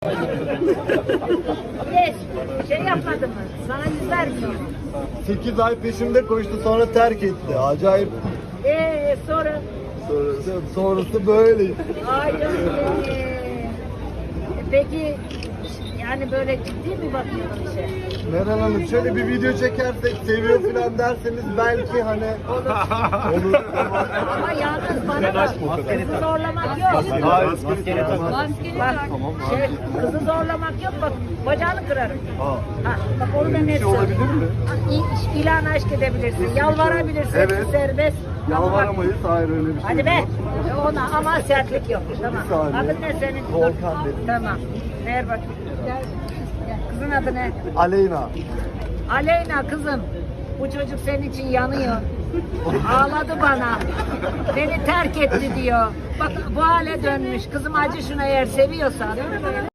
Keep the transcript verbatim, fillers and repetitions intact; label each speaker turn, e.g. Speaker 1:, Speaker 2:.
Speaker 1: Geç. Şey yapmadı mı? Sana yüz vermiyor.
Speaker 2: sekiz ay peşimde koştu, sonra terk etti. Acayip.
Speaker 1: Eee sonra?
Speaker 2: Sonrası, sonrası böyle.
Speaker 1: Ay canım benim. E, Peki yani böyle ciddi mi bakıyorsun işe?
Speaker 2: Meral Hanım, şöyle bir video çekersek, seviyor falan derseniz belki hani olur.
Speaker 1: Ama yalnız bana bak, kızı zorlamak yok.
Speaker 2: Hayır,
Speaker 3: Maskeli tak.
Speaker 1: Bak, şey, kızı zorlamak yok, bak bacağını kırarım.
Speaker 2: Aa.
Speaker 1: Ha, bak onu da net
Speaker 2: şey olabilir
Speaker 1: söyleyeyim.
Speaker 2: mi?
Speaker 1: Ha, İ- İlan aşk edebilirsin, yalvarabilirsin,
Speaker 2: Evet.
Speaker 1: serbest. Ama bak,
Speaker 2: Yalvaramayız, hayır öyle bir şey
Speaker 1: hadi be,
Speaker 2: yok.
Speaker 1: ona ama sertlik yok. Tamam.
Speaker 2: saniye.
Speaker 1: Adın ne senin?
Speaker 2: Volkan benim.
Speaker 1: Tamam. Ver bakayım. Gel. Gel. Kızın adı ne?
Speaker 2: Aleyna.
Speaker 1: Aleyna kızım. Bu çocuk senin için yanıyor. Ağladı bana. Beni terk etti diyor. Bak bu hale dönmüş. Kızım acı şuna, eğer seviyorsan.